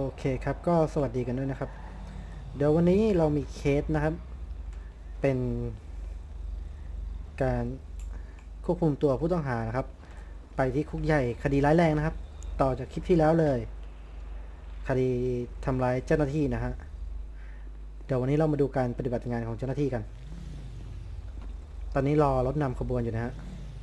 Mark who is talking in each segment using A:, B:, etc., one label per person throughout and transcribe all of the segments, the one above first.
A: เคครับก็สวัสดีกันด้วยนะครับเดี๋ยววันนี้เรามีเคสนะครับเป็นการควบคุมตัวผู้ต้องหานะครับไปที่คุกใหญ่คดีร้ายแรงนะครับต่อจากคลิปที่แล้วเลยคดีทำร้ายเจ้าหน้าที่นะฮะเดี๋ยววันนี้เรามาดูการปฏิบัติงานของเจ้าหน้าที่กันตอนนี้รอรถนำขบวนอยู่นะฮะ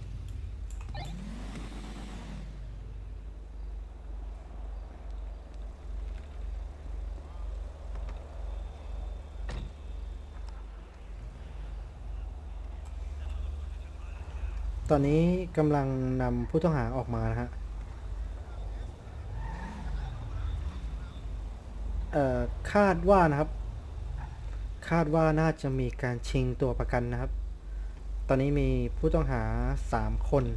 A: ตอนนี้กำลังนำผู้ต้องหาออกมานะฮะคาดว่านะครับคาดว่าน่าจะมีการชิงตัวประกันนะครับตอนนี้มีผู้ต้องหา3 คน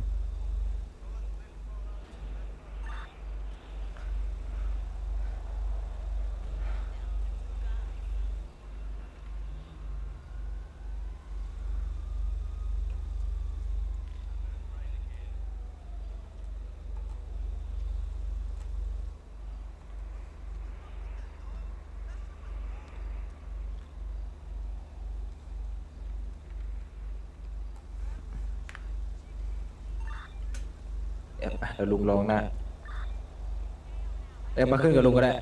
B: เดี๋ยวลุงลองนะมาขึ้นกับลุงก็ได้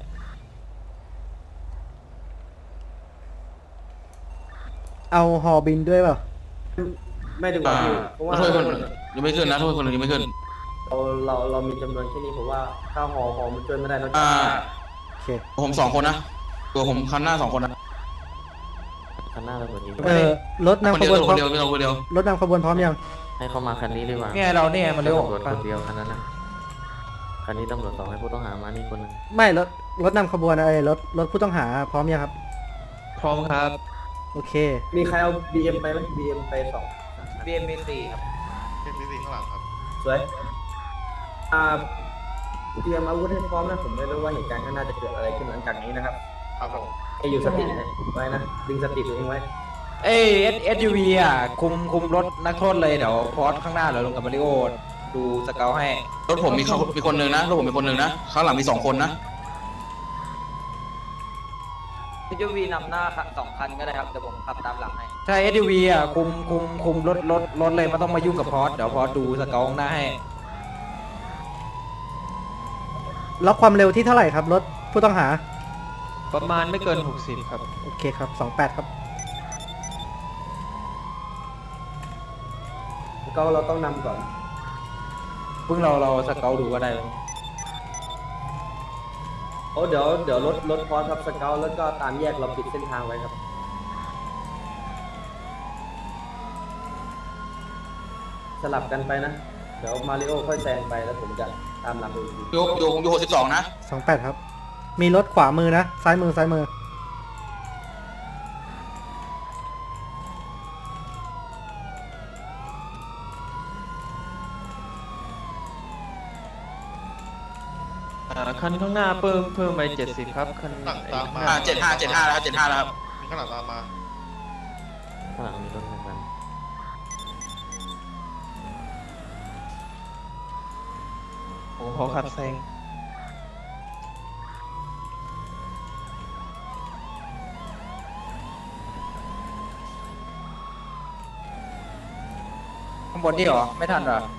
A: เอาฮอบินด้วยเปล่า
C: ไม่ดีกว่าพี่เพราะว่า
D: โทษคนยังไม่ขึ้นนะโทษคนยังไม่ขึ้น
C: เรามีจำนวนแค่นี้ผมว่าถ้าหอมันช่วยไม่ได้นอกจาก
A: โอเค
D: ผม2 คนนะตัวผมคันหน้า2 คนนะ
C: คันหน้าเราคนนี้
A: รถนำ
D: คน
A: ข
D: เดียว
A: บวน
D: ตัว
A: พ
D: ค
A: ร้อน ม
D: เดียวไม่เอาคนเดียว
A: รถนำขบวนพร้อมยัง
C: ให้เขามาคันนี้ดีกว่า
B: เนี่ยเราเนี่ยมาเร็ว
C: ตำรวจคนเดียวคันนั้นนะคันนี้ตำรวจ2ให้ผู้ต้องหามานี่คนนึง
A: ไม่รถนำขบวนรถผู้ต้องหาพร้อมยังครับ
B: พร้อมครับ
A: โอเค
C: มีใครเอา BM ไปไหม BM ไป2
B: BM4 ครับ
E: เป็นวิธีข้างหลังครับ
C: สวยเตรียมอาวุธให้พร้อมนะผมไม่รู้ว่าเหตุการณ์ข้างหน้าจะเกิดอะไรขึ้นหลังจากนี้นะครับ
E: ครับผม
C: ให้อยู่สติไว้นะดึงสติตัวเองไว้
B: เอ้ย SUV อ่ะคุมรถนักโทษเลยเดี๋ยวพอสข้างหน้าเดี๋ยวลงกับมาริโอดูสเกลให้
D: รถผมมีคนหนึ่งนะรถผมมีคนหนึ่งนะข้างหลังมี2 คนนะ
F: SUV นำหน้า2 คันก็ได้ครับเดี๋ยวผมขับตามหลังให้
B: ใช่ SUV อ่ะคุมรถเลยไม่ต้องมายุ่งกับพอสเดี๋ยวพอสดูสเกลข้างหน้าให้
A: ล็อกความเร็วที่เท่าไหร่ครับรถผู้ต้องหา
B: ประมาณไม่เกิน60ครับ
A: โอเคครับ28ครับ
C: ก็เราต้องนำก่อน
B: เพิ่งเราสเกลดูก็ได้
C: โอ้เดี๋ยวรถพอสครับสเกลแล้วก็ตามแยกเราปิดเส้นทางไว้ครับสลับกันไปนะเดี๋ยวมาริโอค่อยแซงไปแล้วผมจะตามหลังดูอีกที
D: อยู่62นะ
A: 28ครับมีรถขวามือนะซ้ายมือ
G: คันข้างหน้าเพิ่มไป70ครับคัน
E: หลังตามมา
D: 75แล้วครับ75แล้วครับ
E: มีข้างหลังตามมา
C: ข้างหลังมีรถหนึ่งคัน
G: ผมขอขับแซง
B: ข้างบนนี่เหรอไม่ทันเหรอ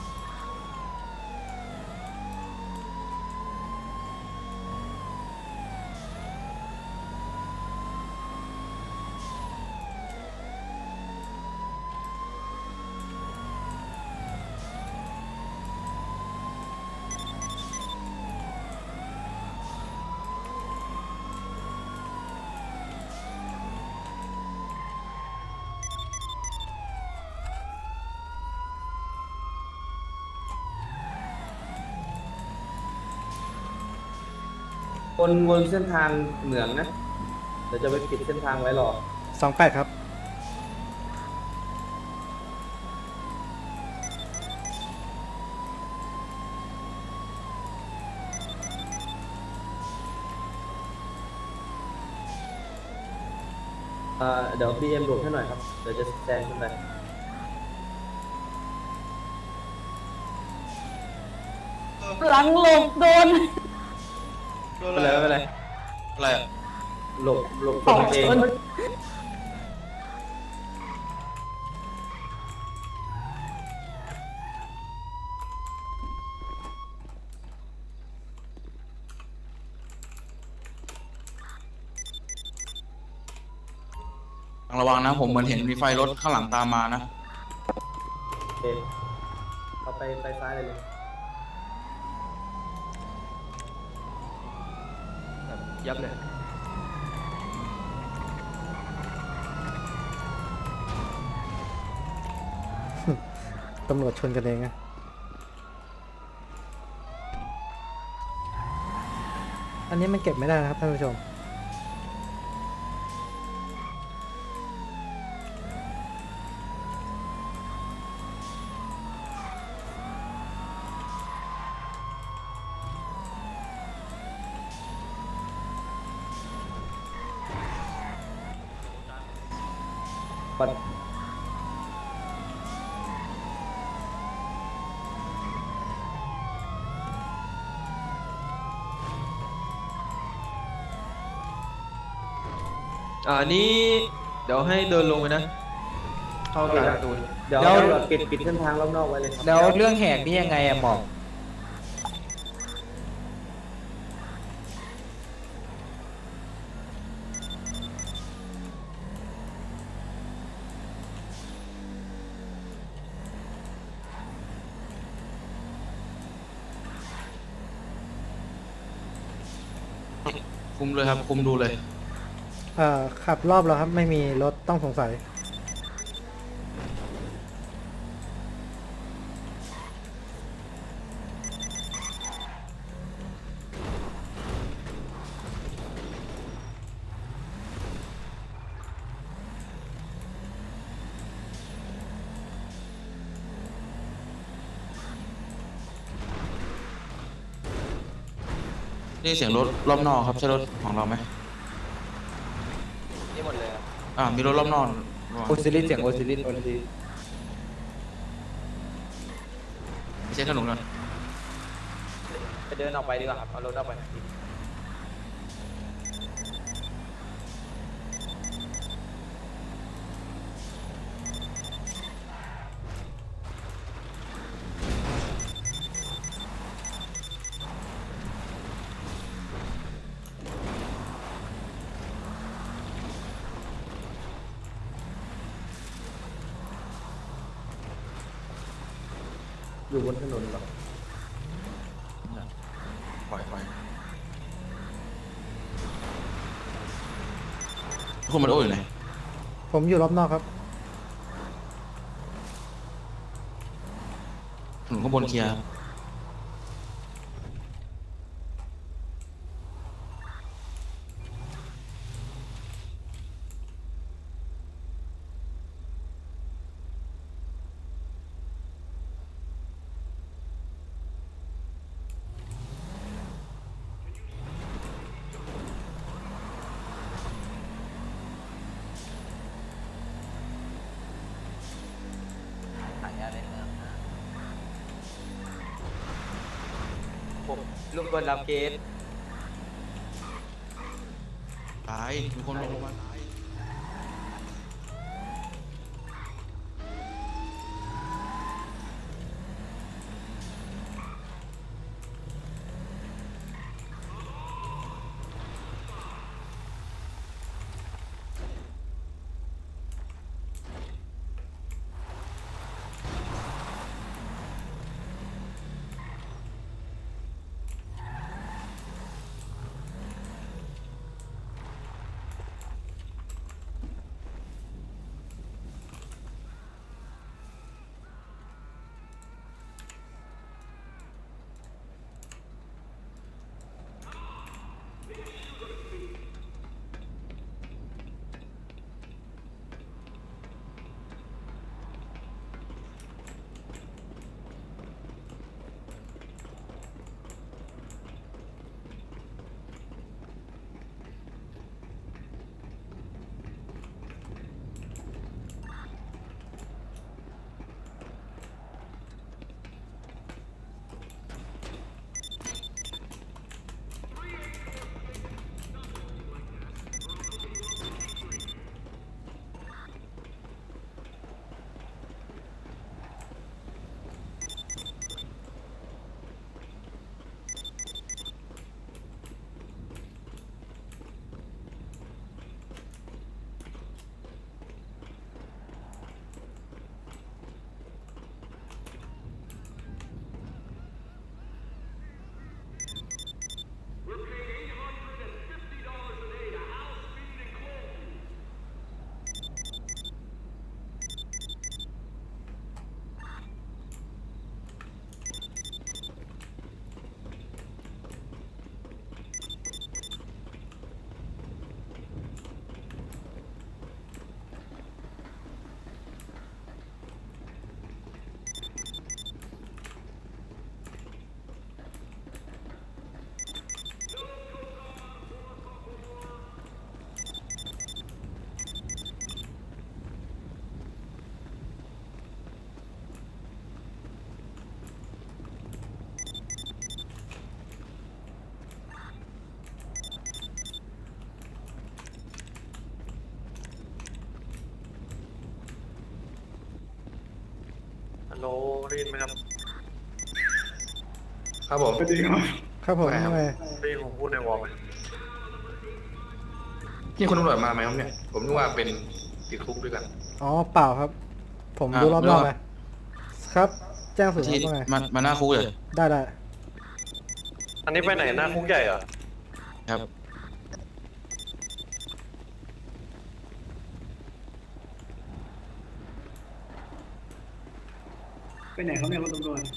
C: วนเส้นทางเหมืองนะเดี๋ยวจะไปปิดเส้นทางไว้รอ
A: 28ครับ
C: เดี๋ยว BM บวกให้หน่อยครับเดี๋ยวจะแซงขึ้นไป
F: หลังหลบโดน
E: โดน
B: ไปเลยไปเลย
D: อะไรอะ
C: หลบคนเอง
D: ต้องระวังนะ ผมเหมือนเห็นมีไฟรถข้างหลังตามมานะ
C: โอเคเอาไปซ้ายเลย
G: แบบยับเลย
A: ตำรวจชนกันเองนะอันนี้มันเก็บไม่ได้นะครับท่านผู้ชม
C: ปัด
G: อันนี้เดี๋ยวให้เดินลงไปนะ เข้าทางประตู
C: เดี๋ยว
B: แล้ว
C: ตำรวจปิดเส้นทางรอบนอกไว้เลยครับ
B: แล้วเรื่องแหกนี่ยังไงอะหมอก
D: คุมเลยครับ คุมดูเลย
A: ขับรอบแล้วครับ ไม่มีรถต้องสงสัย
D: นี่เสียงรถรอบนอกครับ ใช่รถของเราไหม
F: นี่หมดเลยครับ
D: มีรถรอบนอกระวัง
B: โอซิลิสเสียงโอซิลิส
D: เช็คถนนก่อน
F: ไปเดินออกไปดีกว่าครับ เอารถออกไป
C: อยู่บนถนนเหรอ
D: ปล่อยคุณมันโอ้อยู่ไหน
A: ผมอยู่รอบนอกครับ
D: ถนนข้างบนเคลียร์
F: หายาในเมืองนะผมลุงกวนรับเคส
D: ตาย มีคนลงมาตาย
H: โลได้ยินไหมครับ
D: ครับผม
A: ครับผม
D: ไม่ครับ
A: ทำไม
H: ได้ยินผมพูดในวอลไหม
D: พี่คนตำรวจมาไหมครับเนี่ย ผมนึกว่าเป็นติดคุกด้วยกัน
A: อ๋อเปล่าครับ ผมดูรอบนอกเลยครับ แจ้งสื่อ
D: ที่
A: ว่าไง
D: มาหน้าคุกเลย
A: ได้ได้
H: อันนี้ไปไหนหน้าคุกใหญ่เหรอ
D: ครับ
I: ไปไหนเขาเนี่ยคุณตำรวจ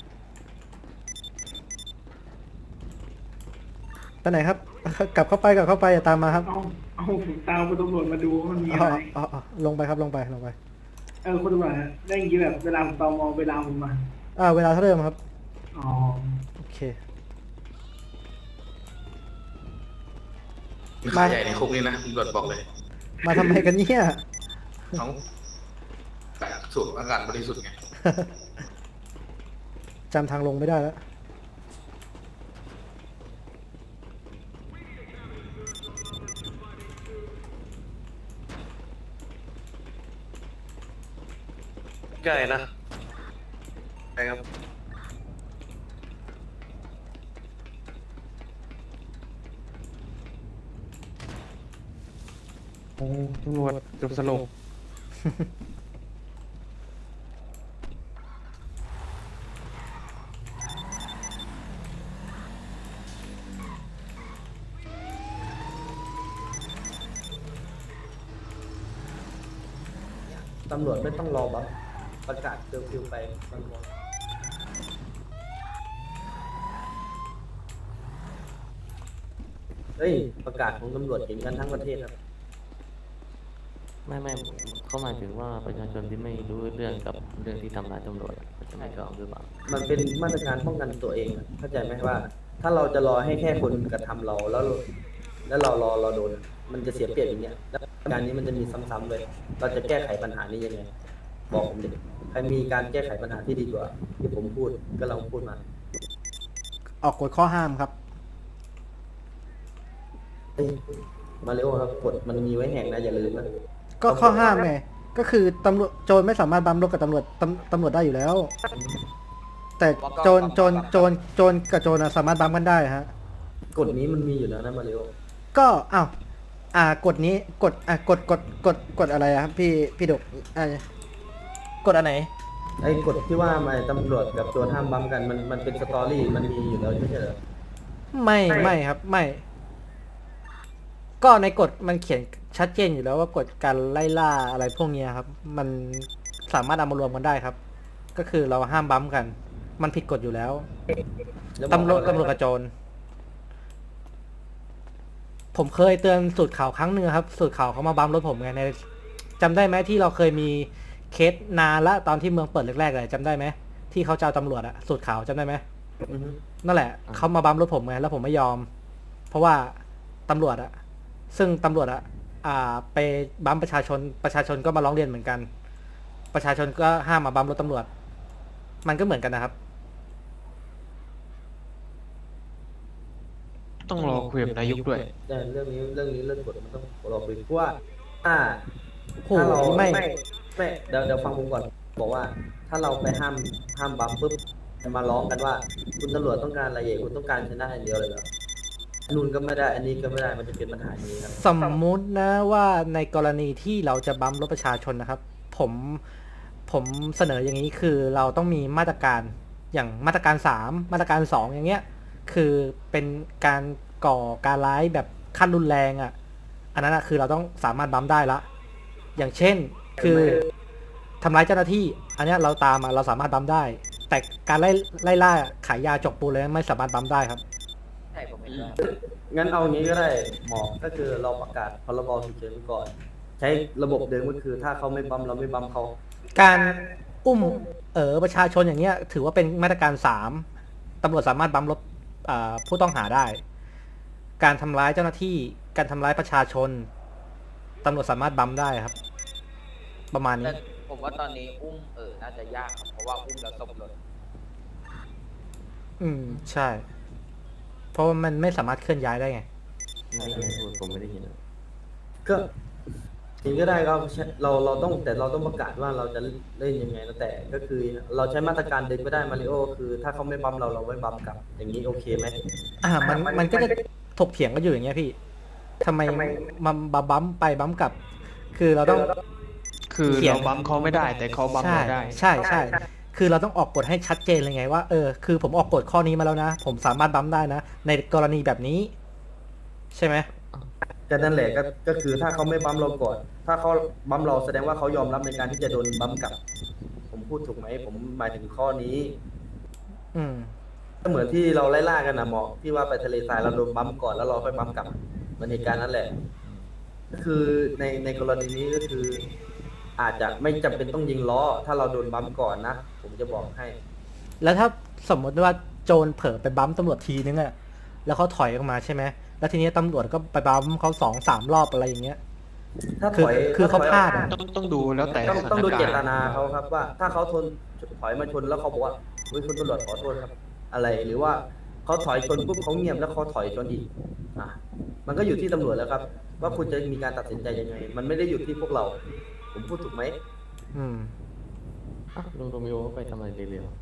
A: ไปไหนครับ กลับเข้าไปอย่าตามมาครับ
I: เอาผมตามคุณตำรวจมาดูว่ามันมี
A: อ๋
I: อะ
A: อ
I: ไร
A: อ๋ออ๋อลงไปครับลงไป
I: คุณตำรวจได้ยินแบบเวลาผมตอมอเวลาผมมา
A: เวลาเท่าเดิมครับ
I: อ๋อ
A: โอเค
D: มีขายใหญ่ในคุกนี่นะตำรวจบอกเลย
A: มาทำไมกันเนี่ย
D: เขาสูบอากาศบริสุทธิ์ไง
A: จำทางลงไม่ได้แล้ว
H: ใหญ่นะใช่ครับ
G: ตำรวจจบสลบ
C: ตำรวจไม่ต้องรอบัฟประกาศเคอร์ฟิวไปมันหมดเฮ้ยประกาศของตำรวจเห็นกันทั้งประเทศครับ
J: ไม่เขาหมายถึงว่าประชาชนที่ไม่รู้เรื่องกับเรื่องที่ทำร้ายตำรวจเขาจะไม่ยอมหรือเปล่า
C: มันเป็นมาตรการป้องกันตัวเองอะเข้าใจไหมว่า ถ้าเราจะรอให้แค่คนกระทำเราแล้วเรารอโดน มันจะเสียเปรียบอย่างเงี้ยแล้วการนี้มันจะมีซ้ำๆเลย เราจะแก้ไขปัญหานี้ยังไง บอกผมดิใครมีการแก้ไขปัญหาที่ดีกว่า ที่ผมพูดก็ลองพูดมา
A: ออกกฎข้อห้ามครับ
C: เอ้ยมาริโอครับกฎมันมีไว้แหกนะอย่าลืมนะ
A: ก็ข้อห้ามไง ก็คือตำรวจโจรไม่สามารถบัมรถกับตำรวจตำรวจได้อยู่แล้ว แต่โจรกับโจรน่ะสามารถบัมกันได้ฮะ
C: กฎนี้มันมีอยู่แล้วนะมาริโอ
A: ก็กฎนี้กฎอะไรอะครับพี่ดกกฎอันไหน
C: ไอ้กฎที่ว่ามาตำรวจกับโจรห้ามบัมกันมันเป็นสตอรี่มันมีอยู่แล้วไม่ใช่เหรอ
A: ไม่ครับไม่ ก็ในกฎมันเขียนชัดเจนอยู่แล้วว่ากฎการไล่ล่าอะไรพวกเนี้ยครับ มันสามารถเอามารวมกันได้ครับ ก็คือเราห้ามบัมกัน มันผิดกฎอยู่แล้ว
C: แล้ว
A: ตำรวจกับโจรผมเคยเตือนสูตรข่าวครั้งหนึ่งครับ สูตรข่าวเขามาบัมรถผมไงในจำได้ไหมที่เราเคยมีเคสนานละตอนที่เมืองเปิดแรกๆเลยจำได้ไหมที่เขาจะเอาตำรวจอะสูตรข่าวจำได้ไหม
C: อือฮึ
A: นั่นแหละเขามาบัมรถผมไงแล้วผมไม่ยอม เพราะว่าตำรวจอะซึ่งตำรวจอะไปบัมประชาชนก็มาร้องเรียนเหมือนกัน ประชาชนก็ห้ามมาบัมรถตำรวจ มันก็เหมือนกันนะครับ
G: ต้องรอคุยกับนายกด้วย
C: แต่เรื่องกฎมันต้องรอคุยเพราะว่าถ้า
A: โห
C: ถ้าเรา
A: ไม่
C: เดี๋ยวฟังผมก่อน บอกว่าถ้าเราไปห้ามบัมปุ๊บมาร้องกันว่า คุณตำรวจต้องการอะไรคุณต้องการชนะอย่างเดียวเลยเหรอนู่นก็ไม่ได้ อันนี้ก็ไม่ได้มันจะเป็นปัญหาอย่างนี้ครับ
A: สมมุตินะว่าในกรณีที่เราจะบัมรถประชาชนนะครับ ผมเสนออย่างนี้คือเราต้องมีมาตรการอย่างมาตรการ3มาตรการ2อย่างเงี้ย คือเป็นการก่อการร้ายแบบขั้นรุนแรงอ่ะ อันนั้นคือเราต้องสามารถบัมได้ละ อย่างเช่นคือทำร้ายเจ้าหน้าที่ อันเนี้ยเราตามมาเราสามารถบัมได้ แต่การไล่ล่าขายยาจกปูเลยไม่สามารถบัมได้ครับ
F: ใช่ผมเห็นด้วย
C: งั้นเอางี้ก็ได้หมอก็คือเราประกาศพรบฉุกเฉินไว้ก่อน ใช้ระบบเดิมก็คือถ้าเขาไม่บัมเราไม่บัมเขา
A: การอุ้มประชาชนอย่างเงี้ยถือว่าเป็นมาตรการ3ตำรวจสามารถบัมรถผู้ต้องหาได้ การทำร้ายเจ้าหน้าที่การทำร้ายประชาชนตำรวจสามารถบัมได้ครับ ประมาณนี้
F: แต่ผมว่าตอนนี้อุ้มน่าจะยากครับเพราะว่าอุ้มแล้วศพหล่น
A: ใช่ เพราะว่ามันไม่สามารถเคลื่อนย้ายได้ไง
J: ไม่ได้พูดผมไม่ได้ยิน
C: ก็จริงก็ได้ครับเราต้องแต่เราต้องประกาศว่าเราจะเล่นยังไงนะแต่ก็คือเราใช้มาตรการดึงไม่ได้มาริโอคือถ้าเขาไม่บัมเราไม่บัมกลับ อย่างนี้โอเคไหม
A: มันก็จะถกเถียงกันอยู่อย่างเงี้ยพี่ทำไมมันบัมไปบัมกลับ คือเราต้อง
G: คือ
A: เขียน
G: เราบัมเขาไม่ได้ แต่เขาบัม
A: ใช่
G: เราได้
A: ใช่คือเราต้องออกกฎให้ชัดเจนเลยไงว่าคือผมออกกฎข้อนี้มาแล้วนะ ผมสามารถบัมได้นะ ในกรณีแบบนี้ ใช่ไหม
C: ก็นั่นแหละก็คือถ้าเขาไม่บัมเราก่อน ถ้าเขาบัมเราแสดงว่าเขายอมรับในการที่จะโดนบัมกลับ ผมพูดถูกไหมผมหมายถึงข้อนี้
A: อืม
C: ก็เหมือนที่เราไล่ล่ากันนะหมอที่ว่าไปทะเลทรายเราโดนบัมก่อนแล้วเราค่อยบัมกลับมันเหตุการณ์นั้นแหละ ก็คือในกรณีนี้ก็คือ อาจจะไม่จำเป็นต้องยิงล้อ ถ้าเราโดนบัมก่อนนะผมจะบอกให้
A: แล้วถ้าสมมติว่าโจรเผลอไปบัมตำรวจทีนึงอะแล้วเขาถอยออกมาใช่ไหมแล้วทีนี้ตำรวจก็ไปบัมเขา2-3 รอบอะไรอย่างเงี้ย
C: ถ้าถ
A: คือ
C: อย
A: คือเขาพลาดอะ
G: ต้องดูแล้วแต่
C: ต้องดู
G: สถน
C: เจ
G: กรณ์
C: ตนาเขาครับว่า ถ้าเขาถอยมาชนแล้วเขาบอกว่าเฮ้ยคุณตำรวจขอโทษครับ อะไรหรือว่าเขาถอยชนปุ๊บเขาเงียบแล้วเขาถอยชนอีกอ่ะมันก็อยู่ที่ตำรวจแล้วครับ ว่าคุณจะมีการตัดสินใจยังไง มันไม่ได้อยู่ที่พวกเรา ผมพูดถูกไหม
A: อืม
J: อ่ะลุงโรมิโอไปทำอะไรเร็ว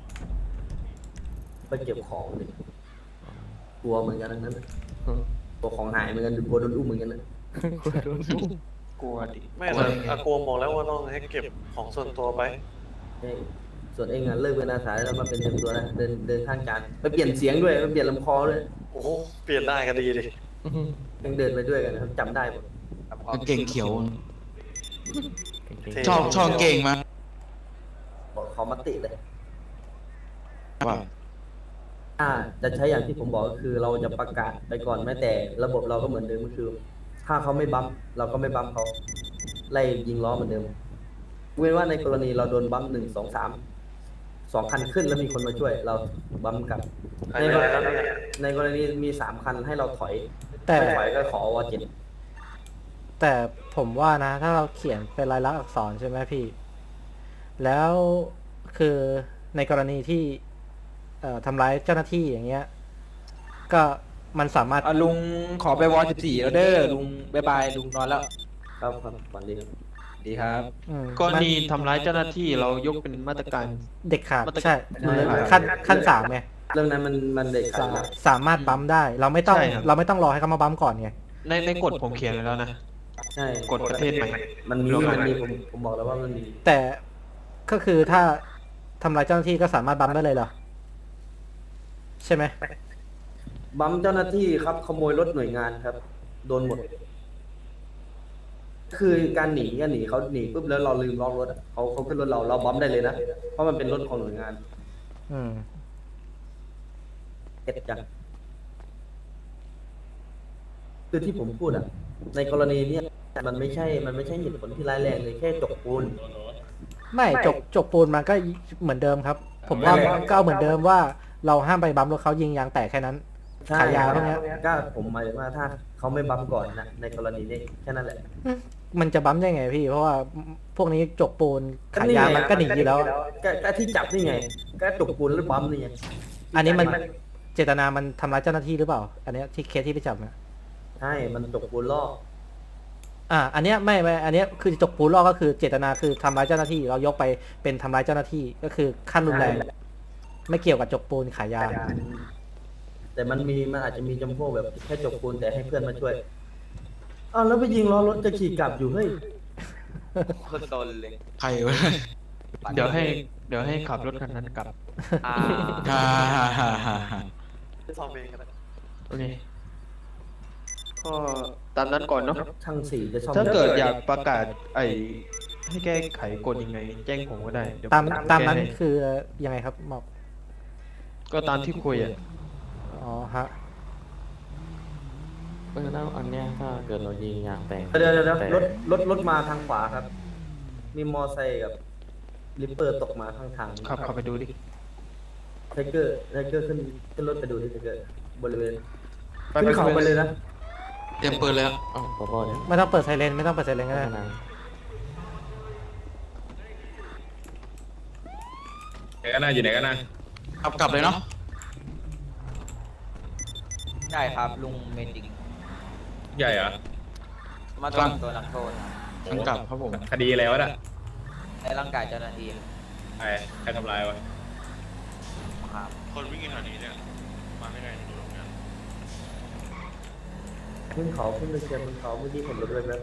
C: ไปเก็บของเลยกลัวเหมือนกันทั้งนั้น
J: ๆอืม
C: กลัวของหายเหมือนกันกลัวโดนอุ้มเหมือนกันนะ
G: กลัวดิ
H: ไม่แต่อากวบอกแล้วว่าต้องให้เก็บของส่วนตัวไป
C: เฮ้ยส่วนเองอ่ะเลิกเป็นอาสาแล้วมาเป็นเต็มตัวนะเดินข้างการไปเปลี่ยนเสียงด้วยไปเปลี่ยนลำคอด้วย
H: โอ้โห เปลี่ยนได้ก็ดีดิ
C: ยังเดินไปด้วยกันนะครับจำได้หมด
D: กางเก่งเขียว
J: เก่ง
H: เท่
D: ชอบเก่งมาก
C: บอกเขามาติเลย
D: ว่า
C: จะใช้อย่างที่ผมบอกก็คือเราจะประกาศไปก่อนแม้แต่ระบบเราก็เหมือนเดิมก็คือ ถ้าเขาไม่บัมป์เราก็ไม่บัมป์เขาไล่ยิงล้อเหมือนเดิมเว้นว่าในกรณีเราโดนบัมป์2 คันขึ้นแล้วมีคนมาช่วย เราบัมป์กลับ
H: หายไปแล้วเนี่ย
C: ในกรณีมี3 คันให้เราถอย
A: แต่
C: ไม่ถอยก็ขอวอ7
A: แต่ผมว่านะ ถ้าเราเขียนเป็นลายลักษณ์อักษรใช่ไหมพี่ แล้วคือในกรณีที่ทำร้ายเจ้าหน้าที่อย่างเงี้ย ก็มันสามารถ
B: ลุงขอไปวอ14แล้วเด้อลุงบายบายลุงนอนแล้ว
C: ครับวันดีครับ
B: ดีครับ
A: อืม
G: กรณีทำร้ายเจ้าหน้าที่เรายกเป็นมาตรการ
A: เด็กขาด
G: มาตร
A: ใช่
C: ใช่
A: ขั้นสามไง
C: เรื่องนั้นมันเด็กขาดแล้ว
A: สามารถบัมได้ เราไม่ต้อง
G: ใช่ครับ
A: เราไม่ต้องรอให้เขามาบัมก่อนไง
G: ในกฎผมเขียนไว้แล้วนะ
C: ใช่
G: กฎประเทศใหม่
C: มันมีผมบอกแล้วว่ามันมี
A: แต่ก็คือถ้าทำร้ายเจ้าหน้าที่ก็สามารถบัมได้เลยเหรอ ใช่ไหม
C: บัมป์เจ้าหน้าที่ครับขโมยรถหน่วยงานครับ โดนหมด คือการหนีเขาหนีปุ๊บแล้วเราลืมล็อกรถอะเขาขึ้นรถเราบัมป์ได้เลยนะเพราะมันเป็นรถของหน่วยงาน
A: อืม
C: เอ็ดจังคือที่ผมพูดอ่ะ ในกรณีเนี้ยมันไม่ใช่เหตุผลที่ร้ายแรงเลยแค่จกปูน
A: ไม่จกปูนมันก็เหมือนเดิมครับ ผมว่ามันก็เอาเหมือนเดิมว่าเราห้ามไปบัมรถเขายิงยางแตกแค่นั้น
C: ใช่
A: ขายยาพวกเนี้ย
C: ก็ผมหมายถึงว่าถ้าเขาไม่บัมป์ก่อนนะในกรณีนี้แค่นั้นแหละ
A: มันจะบัมได้ไงพี่ เพราะว่าพวกนี้จกปูนขายยามันก็หนีอยู่แล้ว
C: ก็ที่จับนี่ไง ก็จกปูนหรือบัมป์นี่ไง
A: อันนี้มันเจตนามันทำร้ายเจ้าหน้าที่หรือเปล่า อันเนี้ยที่เคสที่ไปจับเนี่ย
C: ใช่มันจกปูนล่อ
A: อันเนี้ยไม่อันเนี้ยคือจกปูนลอกก็คือเจตนาคือทำร้ายเจ้าหน้าที่ เรายกไปเป็นทำร้ายเจ้าหน้าที่ก็คือขั้นรุนแรง ไม่เกี่ยวกับจกปูนขายยา
C: แต่มันอาจจะมีจำพวกแบบแค่จกปูนแต่ให้เพื่อนมาช่วยอ้าวแล้วไปยิงล้อรถจะขี่กลับอยู่เฮ้ย
F: คนโดนเลย
D: ใครวะ
G: เดี๋ยวให้ขับรถคันนั้นกลับ
F: อ่า
D: ฮ่าฮ่าฮ่าฮ่าฮ่า
H: ซ่อมเองก็ได้
G: โอเคก็ตามนั้นก่อนเนาะ
C: ช่างสีจะซ่อม
G: ถ้าเกิดอยากประกาศให้แก้ไขกฎยังไง แจ้งผมก็ได้เดี๋ยว
A: ตาม
G: ผ
A: ตามนั้น
G: แก้ให้
A: คือยังไงครับหมอก
G: ก็ตามที่คุยอ่ะ
A: อ๋อฮะ
J: แล้วอันเนี้ยถ้าเกิดเรายิงยางแตก
C: เดี๋ยว
J: แต่
C: รถมาทางขวาครับ มีมอไซค์กับลิปเปอร์ตกมาข้างทาง
G: ขับเข้าไปดูดิ
C: ไทเกอร์ขึ้นรถไปดูที่ไทเกอร์บริเวณ
G: ไป
C: ขึ้นเขาไปเลยนะ
D: เตรียมปืนเลยครับ
J: อ้าวพอเดี๋ยว
A: ไม่ต้องเปิดไซเรนไม่ต้องเปิดไซเรนก็ได้
J: นาน
D: อยู่ไหนกันนะกลับเลยเนาะ
F: ใช่ครับลุงเมจิก
D: ใหญ่เหรอ
F: มาตรวจตัวนักโทษ
D: ทั้งกลับครับผม
G: คดีอะไรวะน่ะ
F: ในร่างกายเจ้าหน้าที่
G: ใครทำลายวะ
F: ครับ
E: คนวิ่งกันแถวนี้เนี่ย มาได้ไงดูตรงนี้
C: ขึ้นเขาขึ้นไปเชียร์บนเขาเมื่อกี้เห็นรถเลยแบบ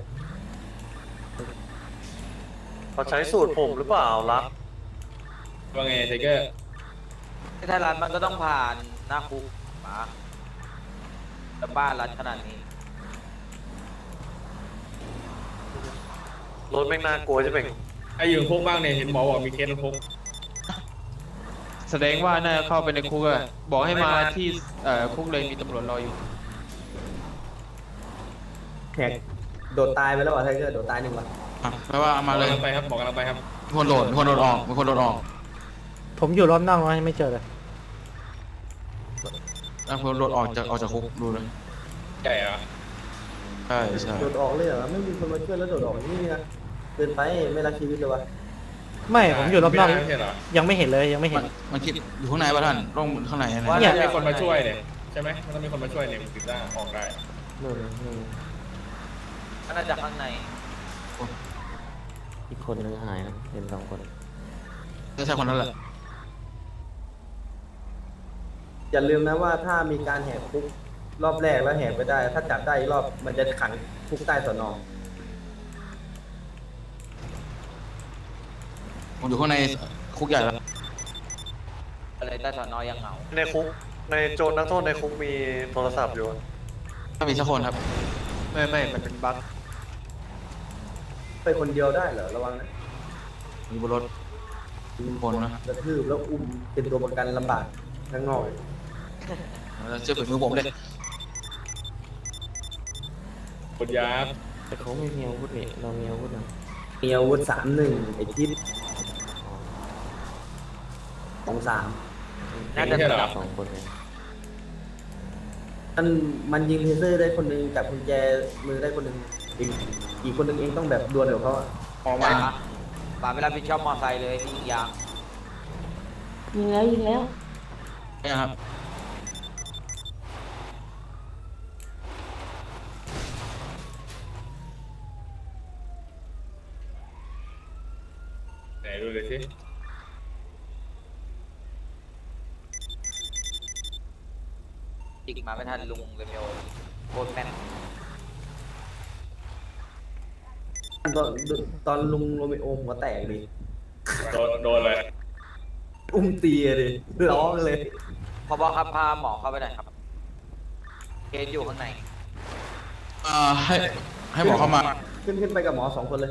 H: เขาใช้สูตรผมหรือเปล่ารัก
G: ว่าไงไทเกอร์
F: ในไทยรัฐมันก็ต้องผ่านหน้าคุกมาแต่บ้านรัฐขนาดนี้
H: รถแม่งน่ากลัวจะเป็น
G: ไอ้อยู่คุกบ้างเนี่ยเห็นหมอบอกมีเคสในคุกแสดงว่าน่าจะเข้าไปในคุกอะบอกให้มาที่คุกเลยมีตำรวจรออยู่
C: แหกโดดตายไปแล้วเหรอไทเกอร์โดดตายหนึ่งวะ
D: อ่ะแปลว่ามาเลย
G: ไปครับบอกกำลังไปครับ
D: มีคนโดดมีคนโดดออกมีคนโดดออก
A: ผมอยู่รอบนอกนะไม่เจอเลย
D: มีคนโดดออกจากคุกดูเลย
G: ใหญ่เหรอ
D: ใช่ใช่
C: โดดออกเลยเหรอไม่มีคนมาช่วยแล้วโดดออกนี่นะเกินไปไม่รักชีวิตเลยวะ
A: ไม่ผมอยู่รอบนอก
G: ไม่ใช่เหรอ
A: ยังไม่เห็นเลยยังไม่เห็
D: มัน นมันคิดอยู่ข้างในป่ะท่านต้องข้างในนะ
G: ว่าจะมีคนมาช่วยเนี่ยใช่ไหมมันต้องมีคนมาช่วยเนี่ยมันถึงจะออกได้
J: นู่นนู่น
F: ก็น่าจะข้างใน
J: อีกคนนึงหายนะเห็น2 คน
D: ไม่ใช่คนนั้นแหละ
C: อย่าลืมนะว่าถ้ามีการแหกคุกรอบแรกแล้วแหกไปได้ ถ้าจับได้อีกรอบมันจะขังคุกใต้สน
D: ผมอยู่ข้างในคุกใหญ่แล้ว
F: อะไรใต้สอนอยังเหงา
H: ในคุกในโจรนักโทษในคุกมีโทรศัพท์อยู่
D: ไม่มีสักคนครับ
G: ไม่มันเป็นบั๊ก
C: ไปคนเดียวได้เหรอระวังนะ
D: มีบนรถคนนะ
C: กระทืบแล้วอุ้มเป็นตัวประกันลำบากทั้งงอก
D: แล้วเชื่อฝีมือผมเลย
G: คนยาบ
J: แต่เขาไม่มีอาวุธนี่เรามีอาวุธนะ
C: มีอาวุธ3-1ไอ้ทิศ2-3
F: น่าจะ
G: ใช่เหรอ
J: 2 คนเลย
C: มันยิงเทเซอร์ได้คนหนึงจับกุญแจมือได้คนหนึงอีกคนหนึงเองต้องแบบดวลกับเขาอะ
F: ออกมาป่าไม่รับผิดชอบมอไซค์เลยที่ยิงยาง
J: ยิงแล้ว
D: เนี่ยครับ
G: ไหนดูเลยสิ
F: อีกมาไม่ทันลุงเรเมโอโคตรแม่น
C: ตอนลุงโรเมโอหัวแตกดิ
G: โดนเลย
C: อุ้มตีอะดิร้องเลย
F: พบครับพาหมอเข้าไปหน่อยครับเคสอยู่ข้างใน
D: ให้หมอเข้ามา
C: ขึ้นไปกับหมอ2 คนเลย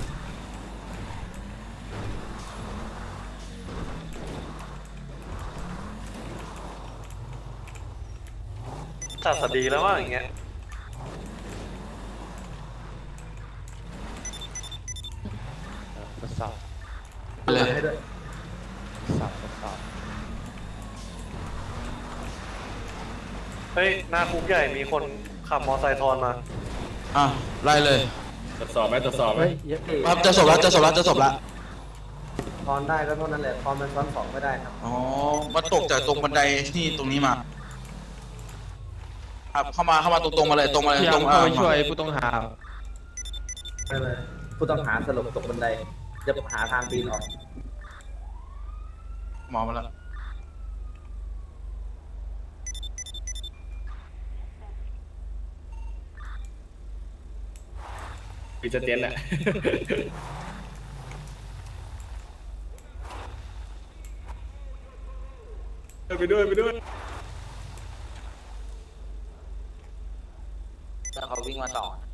H: ตัดสดีแล้วว่าอย่างเงี้ย
D: เลย
C: ให้ด้วย
H: เฮ้ยหน้าคุกใหญ่มีคนขับมอไซค์ทอนมา
D: ไล่เลย
G: ตรวจสอบไหมตรวจสอบไหม
A: เฮ้ยเยอะ
D: ครับจะจบแล้วจะจบแล้วจะจบแล้ว
C: ทอนได้ก็เท่านั้นแหละทอนมันซ้อน2ไม่ได้ครับ
D: อ๋อมาตกจากตรงบันไดที่ตรงนี้มาครับเข้ามาตรงๆมาเลยตรงมาเลย
G: พยายา
D: ตร
G: ม
D: ง
G: เข้าไปช่วยผู้ต้องหา
C: ไม่เป็นไรผู้ต้องหาสลบตกบันไดจะหาทางปีนออก
D: หมอมาแล้ว
G: มีสเตนแหละ ไปด้วย
F: แล้วเขาวิ่งมาต่อนะ